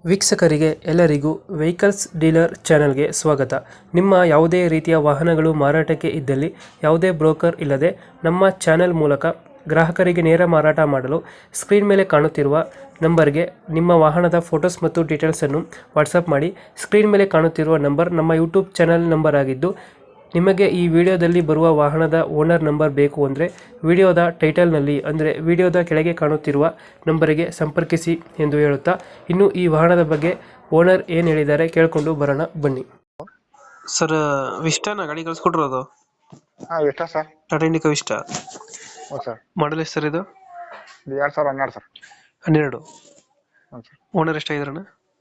ವೀಕ್ಷಕರಿಗೆ ಎಲ್ಲರಿಗೂ vehicles dealer ಚಾನೆಲ್ಗೆ ಸ್ವಾಗತ. ನಿಮ್ಮ ಯಾವುದೇ ರೀತಿಯ ವಾಹನಗಳು ಮಾರಾಟಕ್ಕೆ ಇದ್ದಲ್ಲಿ ಯಾವುದೇ ಬ್ರೋಕರ್ ಇಲ್ಲದೆ ನಮ್ಮ ಚಾನೆಲ್ ಮೂಲಕ ಗ್ರಾಹಕರಿಗೆ ನೇರ ಮಾರಾಟ ಮಾಡಲು ಸ್ಕ್ರೀನ್ ಮೇಲೆ ಕಾಣುತ್ತಿರುವ ನಂಬರ್ಗೆ ನಿಮ್ಮ ವಾಹನದ ಫೋಟೋಸ್ ಮತ್ತು ಡೀಟೇಲ್ಸನ್ನು ವಾಟ್ಸಪ್ ಮಾಡಿ. ಸ್ಕ್ರೀನ್ ಮೇಲೆ ಕಾಣುತ್ತಿರುವ ನಂಬರ್ ನಮ್ಮ ಯೂಟ್ಯೂಬ್ ಚಾನೆಲ್ ನಂಬರ್ ಆಗಿದ್ದು, ನಿಮಗೆ ಈ ವಿಡಿಯೋದಲ್ಲಿ ಬರುವ ವಾಹನದ ಓನರ್ ನಂಬರ್ ಬೇಕು ಅಂದರೆ ವಿಡಿಯೋದ ಟೈಟಲ್ನಲ್ಲಿ ಅಂದರೆ ವಿಡಿಯೋದ ಕೆಳಗೆ ಕಾಣುತ್ತಿರುವ ನಂಬರಿಗೆ ಸಂಪರ್ಕಿಸಿ ಎಂದು ಹೇಳುತ್ತಾ, ಇನ್ನು ಈ ವಾಹನದ ಬಗ್ಗೆ ಓನರ್ ಏನು ಹೇಳಿದ್ದಾರೆ ಕೇಳಿಕೊಂಡು ಬರೋಣ ಬನ್ನಿ. ಸರ್, ವಿಸ್ಟಾನ ಗಾಡಿ ಕಳ್ಸ್ಕೊಟ್ರೋದು? ಹಾಂ ಇಷ್ಟ ಸರ್. ಟಾಟಾ ಇಂಡಿಕಾ ವಿಸ್ಟ. ಹ್ಞೂ ಸರ್. ಮಾಡಲ್ ಎಷ್ಟು ಸರ್ ಇದು? 2012 ಸರ್. 12. ಹ್ಞೂ ಸರ್. ಓನರ್ ಎಷ್ಟಾಗಿದ್ರಣ್ಣ?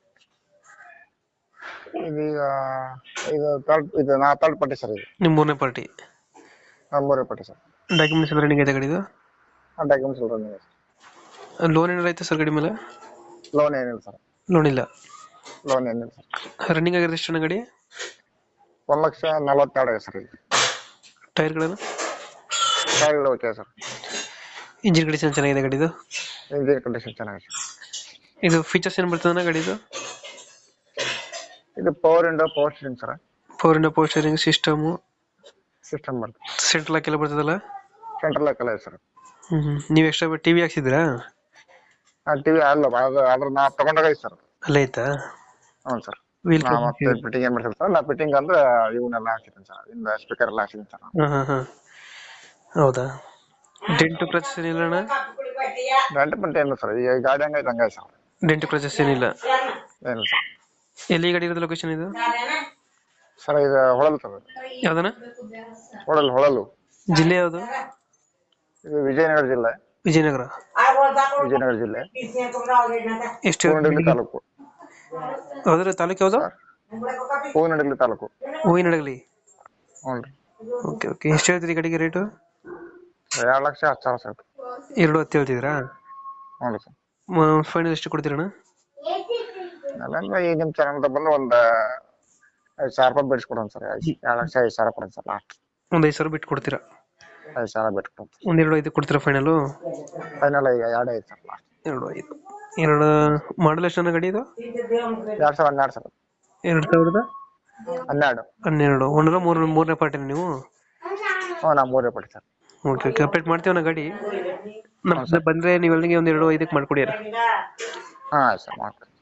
ಇದೀಗ ನಾ ಥರ್ಡ್ ಪಾರ್ಟಿ ಸರ್. ಇದು ನಿಮ್ಮ ಮೂರನೇ ಪಾರ್ಟಿ? ಮೂರನೇ ಪಾರ್ಟಿ ಸರ್. ಡಾಕ್ಯುಮೆಂಟ್ಸ್ ಎಲ್ಲ ರನ್ನಿಂಗ್ ಐತೆ ಗಾಡಿದು? ಡಾಕ್ಯುಮೆಂಟ್ಸ್ ಎಲ್ಲ ರನ್ನಿಂಗ್ ಸರ್. ಲೋನ್ ಏನಾರು ಐತೆ ಸರ್ ಗಾಡಿ ಮೇಲೆ? ಲೋನ್ ಏನಿಲ್ಲ ಸರ್. ಲೋನ್ ಇಲ್ಲ. ಲೋನ್ ಏನಿಲ್ಲ ಸರ್. ರನ್ನಿಂಗ್ ಆಗಿರೋದು ಎಷ್ಟು ಗಾಡಿ? 1,42,000 ಸರ್. ಇದು ಟೈರ್ಗಳನ್ನು? ಟೈರ್ಗಳು ಓಕೆ ಸರ್. ಇಂಜಿನ್ ಕಂಡೀಷನ್ ಚೆನ್ನಾಗಿದೆ ಗಾಡಿದು? ಇಂಜಿನ್ ಕಂಡೀಷನ್ ಚೆನ್ನಾಗಿದೆ ಸರ್. ಇದು ಫೀಚರ್ಸ್ ಏನು ಬರ್ತದೆ ಗಾಡಿದು? ಇದು ಪವರ್ ಇಂಡೋ, power steering sir. Power steering system, system ಬರ್ತದೆ. ಸೆಂಟ್ರಲ್ ಲಾಕ್ ಎಲ್ಲ ಬರ್ತದಲ್ಲ? ಸೆಂಟ್ರಲ್ ಲಾಕ್ ಎಲ್ಲ ಇದೆ ಸರ್. ನೀವು ಎಕ್ಸ್ಟ್ರಾ ಟಿವಿ ಹಾಕ್ಸಿದ್ರಾ? ಟಿವಿ ಅಲ್ಲ, ಅದ್ರ ನಾ ತಗೊಂಡಾಗ ಐತೆ ಸರ್. ಅಲ್ಲೇ ಐತಾ? ಹ್ಞೂ ಸರ್. ವೀಲ್ ನಾ ಮತ್ತೆ ಫಿಟ್ಟಿಂಗ್ ಏನು ಮಾಡ್ತೀನಿ ಸರ್. ನಾ ಫಿಟ್ಟಿಂಗ್ ಅಂದ್ರೆ ಇವನ್ನೆಲ್ಲ ಹಾಕಿದ್ದೀನಿ ಸರ್. ಇಂದ ಸ್ಪೀಕರ್ ಎಲ್ಲ ಹಾಕಿದ್ದೀನಿ ಸರ್. ಹಾಂ. ಹೌದಾ? ಡೆಂಟು ಕ್ರಚಸ್ ಏನಿಲ್ಲ ಅಣ್ಣ? ಡೆಂಟ್ ಏನಿಲ್ಲ ಸರ್. ಈಗ ಗಾಡಿ ಹಂಗೈತೆ ಹಂಗೈತೆ ಸರ್. ಡೆಂಟು ಕ್ರಚಸ್ ಏನಿಲ್ಲ? ಏನಿಲ್ಲ ಸರ್. ಎಲ್ಲಿ ಗಾಡಿ ಇರೋದು ಲೊಕೇಶನ್ ಇದು? ಸರ್ ಇದು ಹೊಳಲು ಸರ್. ಯಾವ್ದನ? ಹೊಳಲು. ಜಿಲ್ಲೆ ಯಾವುದು? ಇದು ವಿಜಯನಗರ ಜಿಲ್ಲೆ. ವಿಜಯನಗರ ಜಿಲ್ಲೆ. ಎಷ್ಟು? ಹೂವಿನಡಗಲಿ ತಾಲೂಕು. ಯಾವ್ದ್ರ ತಾಲೂಕು ಯಾವುದು? ಹೂವಿನಡಗಲಿ ತಾಲೂಕು. ಹೂವಿನಡಗಲಿ. ಹ್ಞೂ ರೀ. ಓಕೆ. ಎಷ್ಟು ಹೇಳ್ತೀರಿ ಗಾಡಿಗೆ ರೇಟು? 2,10,000 ಸರ್. 2,10 ಹೇಳ್ತಿದ್ರಾ? ಹ್ಞೂ ಸರ್. ಫೈನಲ್ ಎಷ್ಟು ಕೊಡ್ತೀರಣ್ಣ? ಅಲ್ಲ ಈಗ ನಿಮ್ಮ ಚಾನಲ್ ಬಂದು ಒಂದು 5,000 ರೂಪಾಯಿ ಬಿಡಿಸ್ಕೊಡೋಣ ಸರ್. 2,05,000 ಕೊಡೋಣ ಸರ್ ಲಾಸ್ಟ್. ಒಂದು 5,000 ಬಿಟ್ಟು ಕೊಡ್ತೀರಾ? 5,000 ಬಿಟ್ಕೊಡೋಣ. ಒಂದು 2,500 ಕೊಡ್ತೀರಾ ಫೈನಲು? ಫೈನಲ್ ಈಗ 2,500 ಸರ್ ಲಾಸ್ಟ್. 2,500. ಮಾಡಲ್ ಎಷ್ಟು ಗಾಡಿ ಇದು? 2012 ಸರ್. 2012. ಒಂದರ ಮೂರನೇ ಪಾರ್ಟಿ ನೀವು? ಹ್ಞೂ, ನಾ ಮೂರನೇ ಪಾರ್ಟಿ ಸರ್. ಓಕೆ. ಅಪ್ಡೇಟ್ ಮಾಡ್ತೀವಿ ಗಾಡಿ. ನಮ್ಮ ಬಂದರೆ ನೀವು ಅಲ್ಲಿಗೆ ಒಂದು 2,500 ಮಾಡ್ಕೊಡಿ. ಹಾಂ ಸರ್ ಮಾಡ್ತೀನಿ.